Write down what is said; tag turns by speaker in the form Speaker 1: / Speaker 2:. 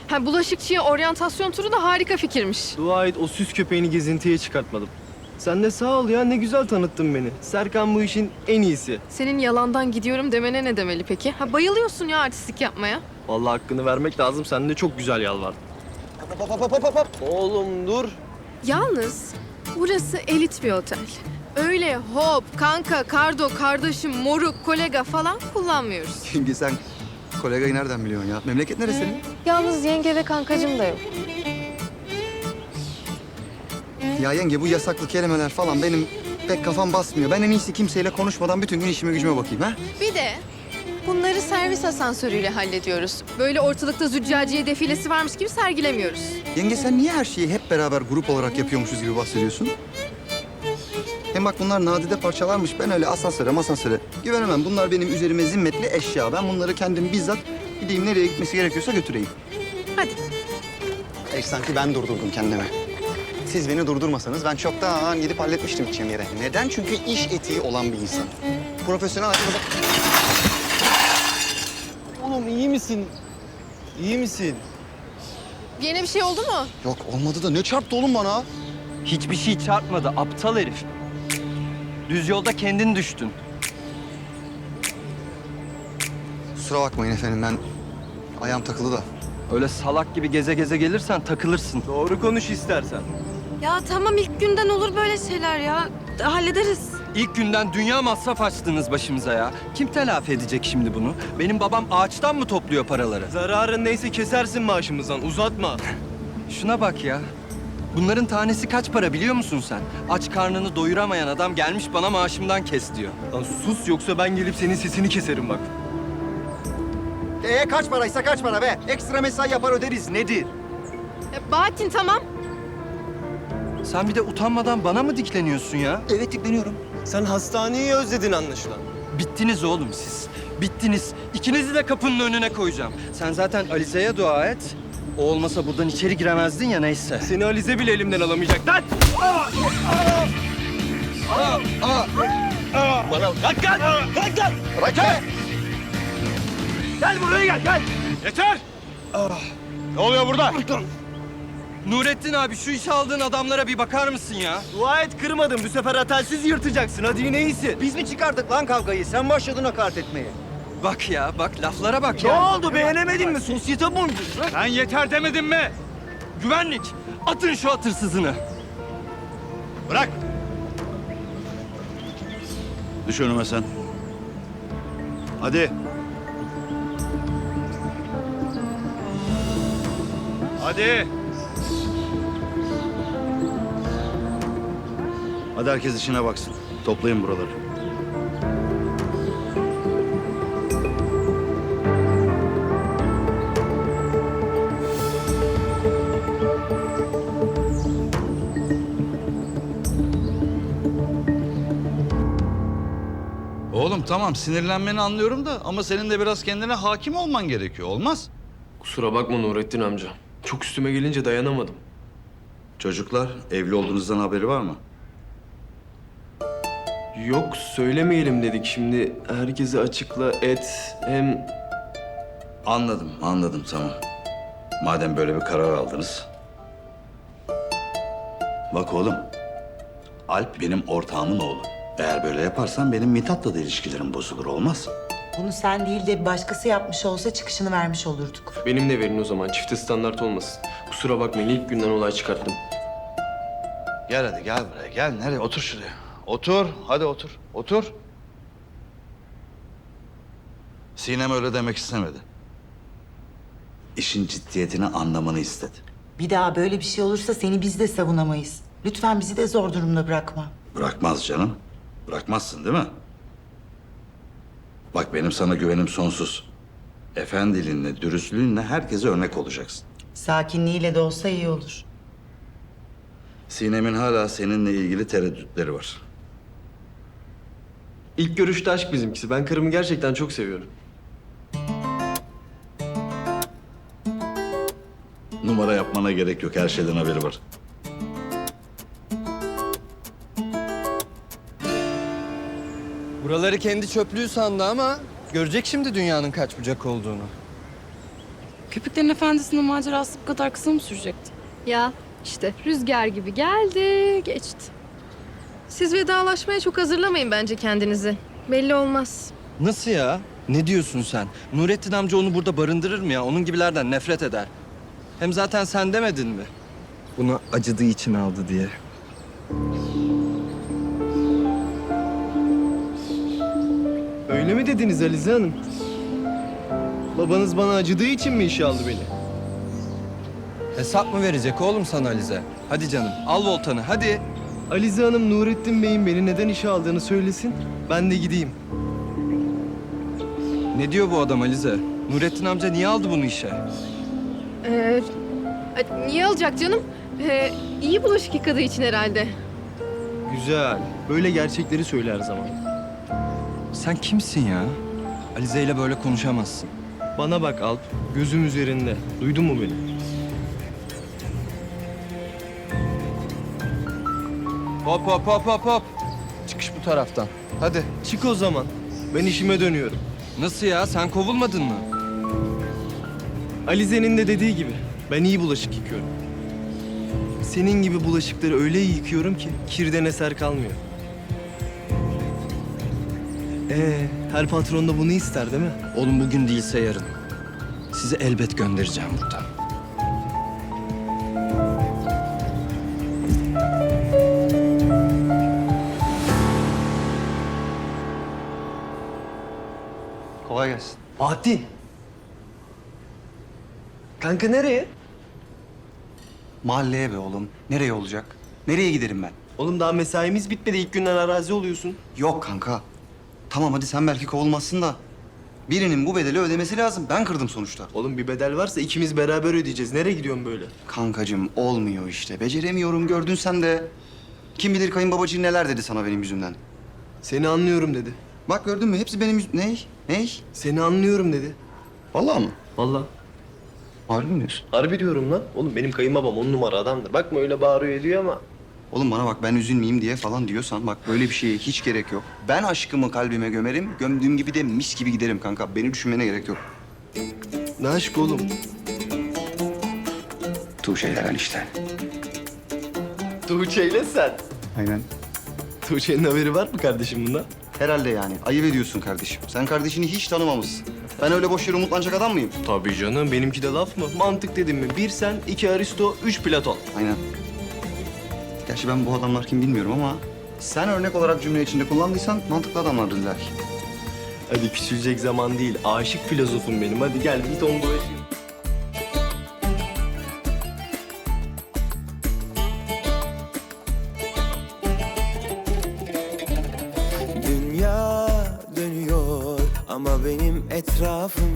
Speaker 1: Ha, bulaşıkçıya oryantasyon turu da harika fikirmiş.
Speaker 2: Dua et o süs köpeğini gezintiye çıkartmadım. Sen de sağ ol ya, ne güzel tanıttın beni. Serkan bu işin en iyisi.
Speaker 1: Senin yalandan gidiyorum demene ne demeli peki? Ha, bayılıyorsun ya artistlik yapmaya.
Speaker 2: Vallahi hakkını vermek lazım, sen de çok güzel yalvardın. Hop. Oğlum dur.
Speaker 1: Yalnız burası elit bir otel. Öyle hop, kanka, kardo, kardeşim, moruk, kolega falan kullanmıyoruz.
Speaker 3: Yenge sen kolegayı nereden biliyorsun ya? Memleket neresi senin?
Speaker 1: Yalnız yenge ve kankacım da yok.
Speaker 3: Ya yenge bu yasaklı kelimeler falan benim pek kafam basmıyor. Ben en iyisi kimseyle konuşmadan bütün gün işime gücüme bakayım ha?
Speaker 1: Bir de bunları servis asansörüyle hallediyoruz. Böyle ortalıkta züccaciye defilesi varmış gibi sergilemiyoruz.
Speaker 3: Yenge sen niye her şeyi hep beraber grup olarak yapıyormuşuz gibi bahsediyorsun? Hem bak bunlar nadide parçalarmış. Ben öyle asansöre güvenemem. Bunlar benim üzerime zimmetli eşya. Ben bunları kendim bizzat gideyim nereye gitmesi gerekiyorsa götüreyim.
Speaker 1: Hadi.
Speaker 3: Sanki ben durdurdum kendimi. Siz beni durdurmasanız ben çoktan gidip halletmiştim gideceğim yere. Neden? Çünkü iş etiği olan bir insan. Profesyonel hayatımızda...
Speaker 2: Oğlum iyi misin? İyi misin?
Speaker 1: Yine bir şey oldu mu?
Speaker 3: Yok olmadı da ne çarptı oğlum bana?
Speaker 4: Hiçbir şey çarpmadı aptal herif. Düz yolda kendin düştün.
Speaker 3: Kusura bakmayın efendim ben ayağım takılı da.
Speaker 4: Öyle salak gibi geze geze gelirsen takılırsın.
Speaker 2: Doğru konuş istersen.
Speaker 1: Ya tamam ilk günden olur böyle şeyler ya. Hallederiz.
Speaker 4: İlk günden dünya masraf açtınız başımıza ya. Kim telafi edecek şimdi bunu? Benim babam ağaçtan mı topluyor paraları?
Speaker 2: Zararın neyse kesersin maaşımızdan, uzatma.
Speaker 4: Şuna bak ya. Bunların tanesi kaç para biliyor musun sen? Aç karnını doyuramayan adam gelmiş bana maaşımdan kes diyor.
Speaker 2: Lan sus yoksa ben gelip senin sesini keserim bak.
Speaker 3: Kaç paraysa kaç para be? Ekstra mesai yapar öderiz. Nedir?
Speaker 1: Bahattin tamam.
Speaker 4: Sen bir de utanmadan bana mı dikleniyorsun ya?
Speaker 3: Evet dikleniyorum.
Speaker 2: Sen hastaneyi özledin anlaşılan.
Speaker 4: Bittiniz oğlum siz. Bittiniz. İkinizi de kapının önüne koyacağım. Sen zaten Alize'ye dua et. O olmasa buradan içeri giremezdin ya neyse.
Speaker 2: Seni Alize bile elimden alamayacak. Lan! Bana kalk kalk! Kalk kalk!
Speaker 3: Bırak be!
Speaker 2: Gel buraya gel gel! Yeter! Ne oluyor burada?
Speaker 4: Nurettin abi şu işe aldığın adamlara bir bakar mısın ya?
Speaker 2: Dua et kırmadım. Bu sefer hatelsiz yırtacaksın. Hadi yine iyisin.
Speaker 3: Biz mi çıkardık lan kavgayı? Sen başladın hakaret etmeye.
Speaker 4: Bak ya bak laflara bak
Speaker 2: Ne
Speaker 4: ya.
Speaker 2: oldu? Beğenemedin mi? Sosyete bu.
Speaker 4: Ben yeter demedim mi? Güvenlik atın şu atırsızını.
Speaker 5: Bırak! Düş önüme sen. Hadi. Hadi. Hadi herkes işine baksın. Toplayın buraları.
Speaker 6: Oğlum tamam sinirlenmeni anlıyorum da ama senin de biraz kendine hakim olman gerekiyor. Olmaz.
Speaker 2: Kusura bakma Nurettin amca. Çok üstüme gelince dayanamadım.
Speaker 5: Çocuklar, evli olduğunuzdan haberi var mı?
Speaker 2: Yok söylemeyelim dedik. Şimdi herkese açıkla et. Hem
Speaker 5: Anladım tamam. Madem böyle bir karar aldınız. Bak oğlum, Alp benim ortağımın oğlu. Eğer böyle yaparsan benim Mithat'la da ilişkilerim bozulur, olmaz.
Speaker 7: Bunu sen değil de bir başkası yapmış olsa çıkışını vermiş olurduk.
Speaker 2: benimle verin o zaman. Çifte standart olmasın. Kusura bakmayın ilk günden olay çıkarttım.
Speaker 5: Gel hadi gel buraya, gel. Nereye? Otur şuraya. Otur, hadi otur. Otur. Sinem öyle demek istemedi. İşin ciddiyetini anlamanı istedi.
Speaker 7: Bir daha böyle bir şey olursa seni biz de savunamayız. Lütfen bizi de zor durumda bırakma.
Speaker 5: Bırakmaz canım. Bırakmazsın değil mi? Bak benim sana güvenim sonsuz. Efendiliğinle, dürüstlüğünle herkese örnek olacaksın.
Speaker 7: Sakinliğiyle de olsa iyi olur.
Speaker 5: Sinem'in hala seninle ilgili tereddütleri var.
Speaker 2: İlk görüşte aşk bizimkisi. Ben karımı gerçekten çok seviyorum.
Speaker 5: Numara yapmana gerek yok. Her şeyden haberi var.
Speaker 4: Buraları kendi çöplüğü sandı ama görecek şimdi dünyanın kaç bucak olduğunu.
Speaker 8: Köpeklerin Efendisi'nin macerası bu kadar kısa mı sürecekti?
Speaker 1: Ya işte rüzgar gibi geldi, geçti. Siz vedalaşmaya çok hazırlamayın bence kendinizi. Belli olmaz.
Speaker 4: Nasıl ya? Ne diyorsun sen? Nurettin amca onu burada barındırır mı ya? Onun gibilerden nefret eder. Hem zaten sen demedin mi? Buna acıdığı için aldı diye.
Speaker 2: Öyle mi dediniz Alize Hanım? Babanız bana acıdığı için mi işe aldı beni?
Speaker 4: Hesap mı verecek oğlum sana Alize? Hadi canım, al voltanı, hadi.
Speaker 2: Alize Hanım Nurettin Bey'in beni neden işe aldığını söylesin. Ben de gideyim.
Speaker 4: Ne diyor bu adam Alize? Nurettin amca niye aldı bunu işe?
Speaker 1: Niye alacak canım? İyi bulaşık yıkadığı için herhalde.
Speaker 2: Güzel. Böyle gerçekleri söyle her zaman.
Speaker 4: Sen kimsin ya? Alize ile böyle konuşamazsın.
Speaker 2: Bana bak Alp. Gözüm üzerinde. Duydun mu beni?
Speaker 4: Hop hop hop hop hop. Çıkış bu taraftan. Hadi.
Speaker 2: Çık o zaman. Ben işime dönüyorum.
Speaker 4: Nasıl ya? Sen kovulmadın mı?
Speaker 2: Alize'nin de dediği gibi. Ben iyi bulaşık yıkıyorum. Senin gibi bulaşıkları öyle iyi yıkıyorum ki kirden eser kalmıyor. Her patron da bunu ister değil mi?
Speaker 4: Oğlum bugün değilse yarın. Sizi elbet göndereceğim buradan.
Speaker 3: Kolay gelsin.
Speaker 2: Bahattin. Kanka nereye?
Speaker 3: Mahalleye be oğlum. Nereye olacak? Nereye giderim ben?
Speaker 2: Oğlum daha mesaimiz bitmedi. İlk günden arazi oluyorsun.
Speaker 3: Yok kanka. Tamam hadi sen belki kovulmazsın da. Birinin bu bedeli ödemesi lazım. Ben kırdım sonuçta.
Speaker 2: Oğlum bir bedel varsa ikimiz beraber ödeyeceğiz. Nereye gidiyorsun böyle?
Speaker 3: Kankacığım olmuyor işte. Beceremiyorum gördün sen de. Kim bilir kayınbabacığın neler dedi sana benim yüzümden.
Speaker 2: Seni anlıyorum dedi.
Speaker 3: Bak gördün mü? Hepsi benim Ney? Ney?
Speaker 2: Seni anlıyorum dedi.
Speaker 3: Vallahi mı?
Speaker 2: Vallahi.
Speaker 3: Harbi mi diyorsun?
Speaker 2: Harbi diyorum lan. Oğlum benim kayınbabam 10 numara adamdır. Bakma öyle bağırıyor ediyor ama.
Speaker 3: Oğlum bana bak ben üzülmeyeyim diye falan diyorsan bak böyle bir şeye hiç gerek yok. Ben aşkımı kalbime gömerim. Gömdüğüm gibi de mis gibi giderim kanka. Beni düşünmene gerek yok.
Speaker 2: Ne aşk oğlum?
Speaker 3: Tuğçe'yle ben işte.
Speaker 2: Tuğçe'yle sen.
Speaker 3: Aynen.
Speaker 2: Tuğçe'nin haberi var mı kardeşim bundan?
Speaker 3: Herhalde yani. Ayıp ediyorsun kardeşim. Sen kardeşini hiç tanımamışsın. Ben öyle boş yere umutlanacak adam mıyım?
Speaker 2: Tabii canım. Benimki de laf mı? Mantık dedim mi? Bir sen, iki Aristo, üç Platon.
Speaker 3: Aynen. Gerçi ben bu adamlar kim bilmiyorum ama... Sen örnek olarak cümle içinde kullandıysan mantıklı adamlardır illa ki.
Speaker 2: Hadi küçülecek zaman değil. Aşık filozofum benim. Hadi gel git onu dolaşayım.
Speaker 9: Dünya dönüyor ama benim etrafım